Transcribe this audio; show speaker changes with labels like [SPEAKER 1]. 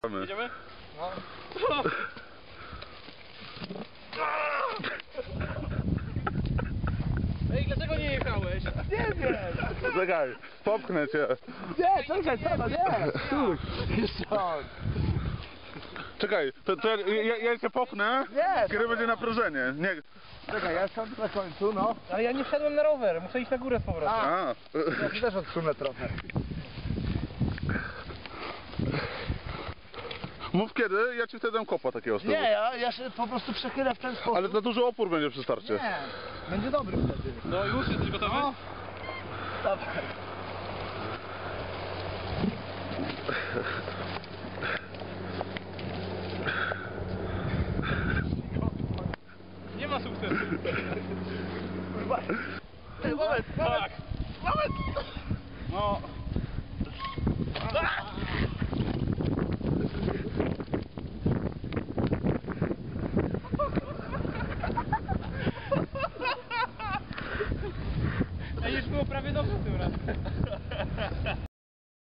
[SPEAKER 1] Jedziemy? No. Ej, dlaczego nie jechałeś?
[SPEAKER 2] Nie wiem!
[SPEAKER 3] Czekaj, popchnę cię.
[SPEAKER 2] Nie, czekaj, nie! Stój! Jeszcze on!
[SPEAKER 3] Czekaj, to ja cię popchnę,
[SPEAKER 2] Nie!
[SPEAKER 3] kiedy będzie naprężenie. Nie.
[SPEAKER 2] Czekaj, ja siądę na końcu, no.
[SPEAKER 1] Ale ja nie wsiadłem na rower, muszę iść na górę z powrotem.
[SPEAKER 3] A.
[SPEAKER 2] Ja się też odsunę trochę.
[SPEAKER 3] Mów kiedy, ja ci wtedy dam kopa takiego z tyłu.
[SPEAKER 2] Nie, ja się po prostu przechylę w ten sposób.
[SPEAKER 3] Ale za duży opór będzie przy starcie.
[SPEAKER 2] Nie, będzie dobry wtedy.
[SPEAKER 1] No już jesteś gotowy?
[SPEAKER 2] No. Dawaj.
[SPEAKER 1] Nie ma sukcesu.
[SPEAKER 2] Moment,
[SPEAKER 1] Tak.
[SPEAKER 2] moment!
[SPEAKER 1] No. Ej, już było prawie dobrze tym razem.